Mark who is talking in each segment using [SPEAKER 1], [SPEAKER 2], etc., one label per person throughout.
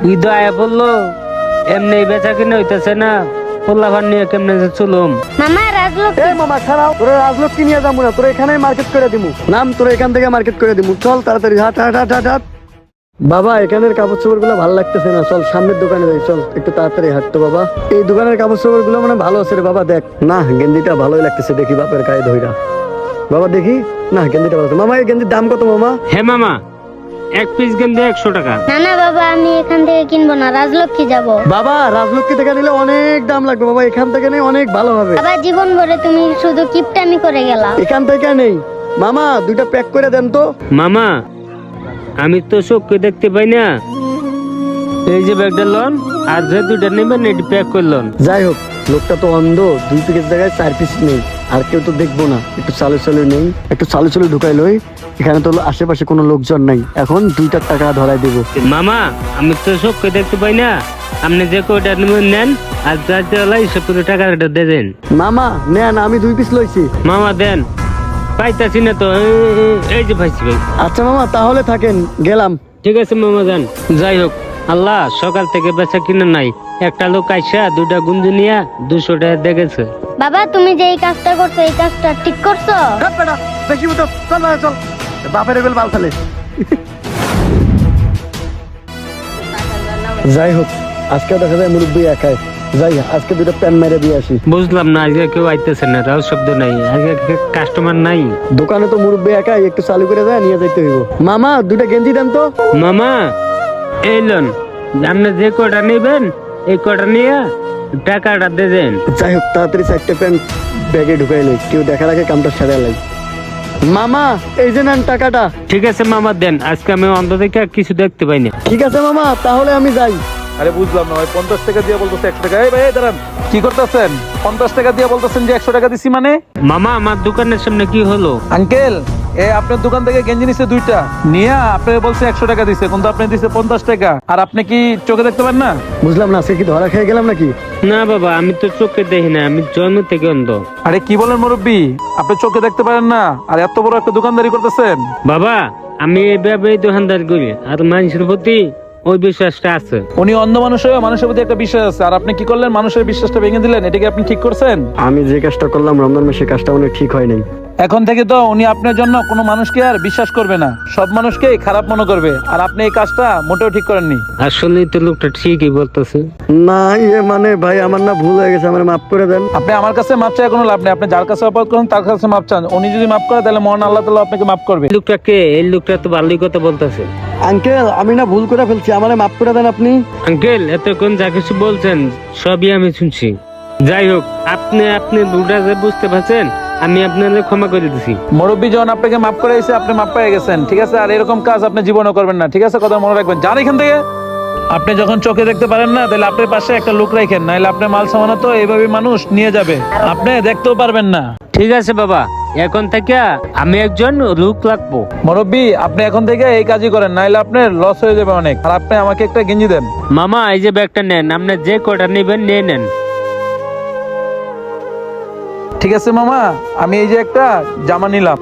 [SPEAKER 1] ঈদ আয়া পড়লো, এমনি বেচা কিনে হইতেছে না, পোলাপান নিয়ে কেমনে যে চলুম।
[SPEAKER 2] মামা রাজলোক
[SPEAKER 3] এই মামা খারাপ, তোরা রাজলক্ষ্মী নিয়ে যাবো না, তোরা এখানেই মার্কেট করে দিমু। নাম তোরা এখান থেকে মার্কেট করে দিমু, চল তাড়াতাড়ি, হাট হাট হাট হাট হাট। বাবা এখানের কাপড় চোপড় গুলো ভালো লাগতেছে না, চল সামনের দোকানে যাই, চল একটু তাড়াতাড়ি হাঁটতো বাবা। এই দোকানের কাপড় চোপড় গুলো মানে ভালো আছে রে বাবা, দেখ না গেঞ্জিটা ভালোই লাগতেছে, দেখি বাপের গায়ে ধইরা বাবা, দেখি না গেঞ্জিটা ভালো আছে। মামা এই গেঞ্জির দাম কত মামা?
[SPEAKER 1] হ্যাঁ মামা, এক পিস গেন্দে 100 টাকা।
[SPEAKER 2] না না বাবা, আমি এখান থেকে কিনবো না, রাজলক্ষ্মী যাব।
[SPEAKER 3] বাবা রাজলক্ষ্মী থেকে নিলে অনেক দাম লাগবে বাবা, এখান থেকে নেই অনেক ভালো হবে।
[SPEAKER 2] বাবা জীবন ভরে তুমি শুধু কিপটামি করে গেলা।
[SPEAKER 3] এখান থেকে নেই মামা, দুইটা প্যাক করে দেন তো।
[SPEAKER 1] মামা আমি তো চোখকে দেখতে পাই না, এই যে ব্যাগটা লন, আর যে দুইটা নেবেন এটি প্যাক করলেন।
[SPEAKER 3] যাই হোক লোকটা তো অন্ধ, 2 পিসের জায়গায় 4 পিস নেই, আর কেউ তো দেখবো না, একটু চালু চালু নেই, একটু চালু চালু ঢুকাই লই। এখানে তো আশেপাশে কোনো লোকজন নাই, এখন 2 টাকা ধরাই দেবো।
[SPEAKER 1] মামা আমি তো চোখকে দেখতে পাই না, আপনি যে কয়টা নেবেন নেন, আর যা যা সে পুরো টাকাটা দেন।
[SPEAKER 3] মামা নেন, আমি 2 পিস লইছি।
[SPEAKER 1] মামা দেন, পাইতাছি না তো, এই যে পাইছি ভাই।
[SPEAKER 3] আচ্ছা মামা তাহলে থাকেন, গেলাম।
[SPEAKER 1] ঠিক আছে মামা যান। যাই হোক আল্লাহ, সকাল থেকে বেচা কিনা নাই, একটা লোক আইসা 2টা গুঞ্জু নিয়া 200 টাকা দেখেছে।
[SPEAKER 2] বাবা তুমি যে এই কাজটা করছো, এই কাজটা ঠিক করছো?
[SPEAKER 3] বেশি মতো চল না, চল বাপের এগুলো বাল ফেলে। যাই হোক আজকে দেখা যায় মুরব্বী একাই, যাই আজকে 2টা প্যান মেরে দিয়ে আসি।
[SPEAKER 1] বুঝলাম না, আজকে কেউ আইতেছে না, রাও শব্দ নাই, আজকে কাস্টমার নাই।
[SPEAKER 3] দোকানে তো মুরব্বী একাই, একটু চালু করে যায় নিয়ে যাইতে হইব। মামা 2টা গেঞ্জি দেন তো।
[SPEAKER 1] মামা এই লন, আপনি যে কটা নেবেন এই কটা নিয়ে টাকাটা দেন।
[SPEAKER 3] যাই হোক তাড়াতাড়ি 4টে প্যান্ট ব্যাগে ঢুকাই লই, কেউ দেখার আগে কামটা সারা লাই। মামা এই যে নেন টাকাটা।
[SPEAKER 1] ঠিক আছে মামা দেন, আজকে আমি অন্ধ থেকে কিছু দেখতে পাই না।
[SPEAKER 3] ঠিক আছে মামা তাহলে আমি যাই।
[SPEAKER 4] আরে বুঝলাম না ভাই, 50 টাকা দিয়ে বলতেছে 100 টাকা। এই ভাই দাঁড়ান, কি করতেছেন? 50 টাকা দিয়ে বলতেছেন যে 100 টাকা দিছি মানে?
[SPEAKER 1] মামা আমার দোকানের সামনে কি হলো?
[SPEAKER 4] আঙ্কেল আপনার দোকান থেকে গেঞ্জি নিছে 2টা নিয়া, আপনি বলছে 100 টাকা দিছে, কিন্তু আপনি দিছে 50 টাকা। আর আপনি কি চোখে দেখতে পান না?
[SPEAKER 3] বুঝলাম না, সে কি ধরা খেয়ে গেলাম নাকি?
[SPEAKER 1] না বাবা, আমি তো চোখে দেখি না, আমি জন্ম থেকে অন্ধ।
[SPEAKER 4] আরে কি বলেন মুরব্বী, আপনি চোখে দেখতে পারেন না আর এত বড় একটা দোকানদারি করতেছেন?
[SPEAKER 1] বাবা আমি এইভাবে দোকানদার করি, আর মানুষের প্রতি ওই বিশ্বাসটা আছে।
[SPEAKER 4] উনি অন্ধ মানুষ হয়ে মানুষের প্রতি একটা বিশ্বাস আছে, আর আপনি কি করলেন? মানুষের বিশ্বাসটা ভেঙে দিলেন, এটা কি আপনি ঠিক করছেন?
[SPEAKER 3] আমি যে কাজটা করলাম রমজান মাসে, কাজটা অনেক ঠিক হয় নাই।
[SPEAKER 4] এখন থেকে তো উনি আপনার জন্য কোনো মানুষকে আর বিশ্বাস করবে না, সব মানুষকে খারাপ মনে করবে, আর আপনি এই কাজটা মোটেও ঠিক করেননি।
[SPEAKER 1] আসলে তো লোকটা ঠিকই বলতেছে।
[SPEAKER 3] না মানে ভাই আমার না ভুল হয়ে গেছে, আমার মাফ করে দেন।
[SPEAKER 4] আপনি আমার কাছে মাপ চাই কোনো লাভ নেই, আপনি যার কাছে অপরাধ করেন তার কাছে মাপ চান, উনি যদি মাপ করে তাহলে মহান আল্লাহ তাআলা আপনাকে মাফ করবে।
[SPEAKER 1] এই লোকটা কে? এই লোকটা তো ভালোই কথা বলতেছে।
[SPEAKER 3] আঙ্কেল আমি না ভুল করে ফেলছি, আমারে মাফ করে দেন আপনি।
[SPEAKER 1] আঙ্কেল এতক্ষণ যা কিছু বলছেন সবই আমি শুনছি। যাই হোক আপনি ভুলটা যে বুঝতে পারছেন, আমি আপনাদের ক্ষমা করে দিছি।
[SPEAKER 4] মুরব্বী যখন আপনাকে মাফ করে দিয়েছে, আপনি মাপ পেয়ে গেছেন, ঠিক আছে? আর এরকম কাজ আপনি জীবনও করবেন না, ঠিক আছে? কথা মনে রাখবেন, যান এখান থেকে। আপনি যখন চোখে দেখতে পারেন না, তাহলে আপনার পাশে একটা লোক রাখেন, নাহলে আপনার মাল সামানা তো এইভাবে মানুষ নিয়ে যাবে, আপনি দেখতেও পারবেন না।
[SPEAKER 1] ঠিক আছে বাবা, এখন থেকে আমি একজন লোক রাখবো।
[SPEAKER 4] মুরব্বী আপনি এখন থেকে এই কাজই করেন, নাহলে আপনার লস হয়ে যাবে অনেক। আর আপনি আমাকে একটা গেঞ্জি দেন।
[SPEAKER 1] মামা এই যে ব্যাগটা নেন, আপনি যে কটা নেবেন নিয়ে নেন।
[SPEAKER 4] ঠিক আছে মামা, আমি এই যে একটা জামা নিলাম।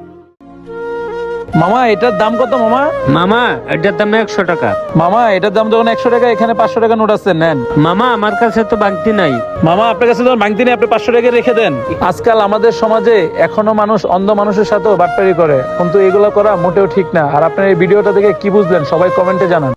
[SPEAKER 4] মামা এটার দাম কত মামা?
[SPEAKER 1] মামা এটার দাম 100 টাকা।
[SPEAKER 4] মামা এটার দাম যখন 100 টাকা, এখানে 500 টাকা নোট আছে, নেন।
[SPEAKER 1] মামা আমার কাছে তো বাংতি নাই।
[SPEAKER 4] মামা আপনার কাছে যখন ভাঙতি নেই, আপনি 500 টাকা রেখে দেন। আজকাল আমাদের সমাজে এখনো মানুষ অন্ধ মানুষের সাথেও বাটপারি করে, কিন্তু এগুলো করা মোটেও ঠিক না। আর আপনার এই ভিডিওটা দেখে কি বুঝলেন সবাই কমেন্টে জানান।